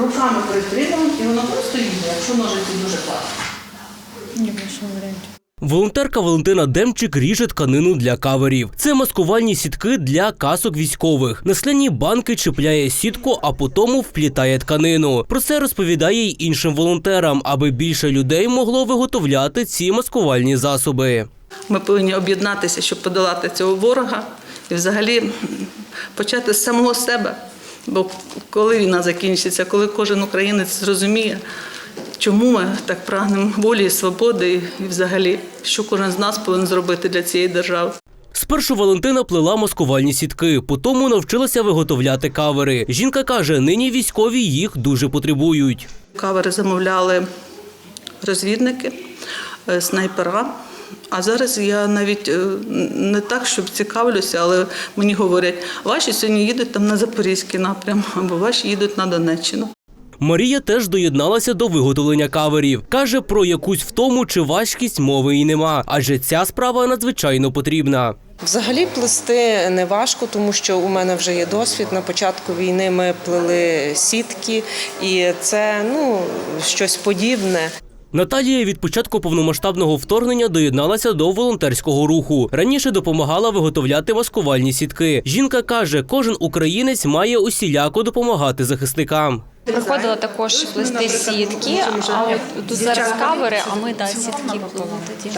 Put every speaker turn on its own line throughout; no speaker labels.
руками притримуємо, і воно просто їде, якщо ножиці дуже класно.
Ні, більше варіантів.
Волонтерка Валентина Демчик ріже тканину для каверів. Це маскувальні сітки для касок військових. На скляні банки чіпляє сітку, а потім вплітає тканину. Про це розповідає й іншим волонтерам, аби більше людей могло виготовляти ці маскувальні засоби.
Ми повинні об'єднатися, щоб подолати цього ворога і взагалі почати з самого себе. Бо коли війна закінчиться, коли кожен українець зрозуміє, чому ми так прагнемо волі і свободи і взагалі, що кожен з нас повинен зробити для цієї держави.
Спершу Валентина плела маскувальні сітки, потім навчилася виготовляти кавери. Жінка каже, нині військові їх дуже потребують.
Кавери замовляли розвідники, снайпера. А зараз я навіть не так, щоб цікавлюся, але мені говорять, ваші сьогодні їдуть там на Запорізький напрям, або ваші їдуть на Донеччину.
Марія теж доєдналася до виготовлення каверів. Каже, про якусь втому чи важкість мови й нема, адже ця справа надзвичайно потрібна.
Взагалі плести не важко, тому що у мене вже є досвід. На початку війни ми плели сітки, і це щось подібне.
Наталія від початку повномасштабного вторгнення доєдналася до волонтерського руху. Раніше допомагала виготовляти маскувальні сітки. Жінка каже, кожен українець має усіляко допомагати захисникам.
Приходила також плести сітки, а от тут зараз кавери, а ми сітки плели тоді.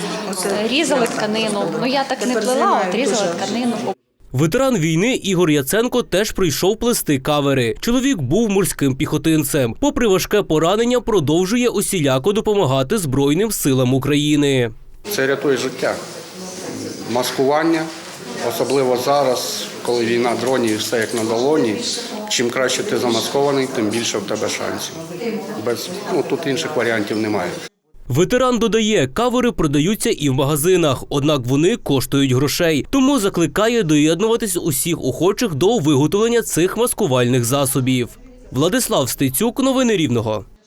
Різали тканину. Я так не плела, от різала тканину.
Ветеран війни Ігор Яценко теж прийшов плести кавери. Чоловік був морським піхотинцем. Попри важке поранення, продовжує усіляко допомагати Збройним силам України.
Це рятує життя. Маскування, особливо зараз, коли війна дронів і все як на долоні. Чим краще ти замаскований, тим більше в тебе шансів. Тут інших варіантів немає.
Ветеран додає, кавери продаються і в магазинах, однак вони коштують грошей. Тому закликає доєднуватись усіх охочих до виготовлення цих маскувальних засобів. Владислав Стецюк, новини Рівного.